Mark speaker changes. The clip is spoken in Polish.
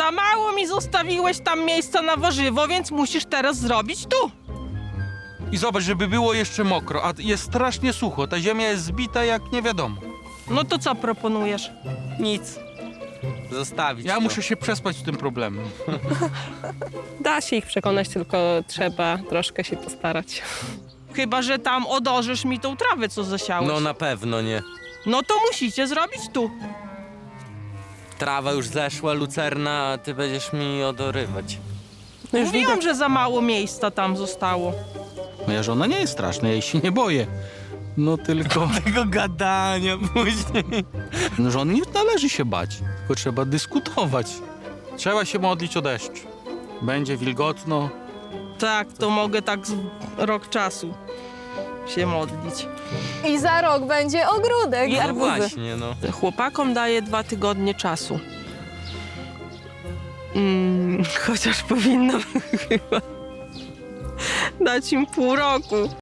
Speaker 1: Za mało mi zostawiłeś tam miejsca na warzywo, więc musisz teraz zrobić tu.
Speaker 2: I zobacz, żeby było jeszcze mokro, a jest strasznie sucho. Ta ziemia jest zbita jak nie wiadomo.
Speaker 1: No to co proponujesz?
Speaker 3: Nic. Zostawić
Speaker 2: Ja
Speaker 3: to.
Speaker 2: muszę się przespać z tym problemem.
Speaker 4: Da się ich przekonać, tylko trzeba troszkę się postarać.
Speaker 1: Chyba że tam odorzysz mi tą trawę, co zasiałeś.
Speaker 3: No na pewno nie.
Speaker 1: No to musicie zrobić tu.
Speaker 3: Trawa już zeszła, lucerna, a ty będziesz mi odorywać.
Speaker 4: No już
Speaker 1: Mówiłam,
Speaker 4: widać.
Speaker 1: że za mało miejsca tam zostało.
Speaker 2: Moja żona nie jest straszna, ja jej się nie boję. No tylko,
Speaker 3: Tego gadania później.
Speaker 2: no, żon nie należy się bać, tylko trzeba dyskutować. Trzeba się modlić o deszcz. Będzie wilgotno.
Speaker 1: Tak, to mogę tak z rok czasu się modlić.
Speaker 5: I za rok będzie ogródek.
Speaker 1: I
Speaker 3: No
Speaker 1: arbuzy.
Speaker 3: właśnie, no.
Speaker 1: Chłopakom daję 2 tygodnie czasu. Chociaż powinnam chyba dać im pół roku.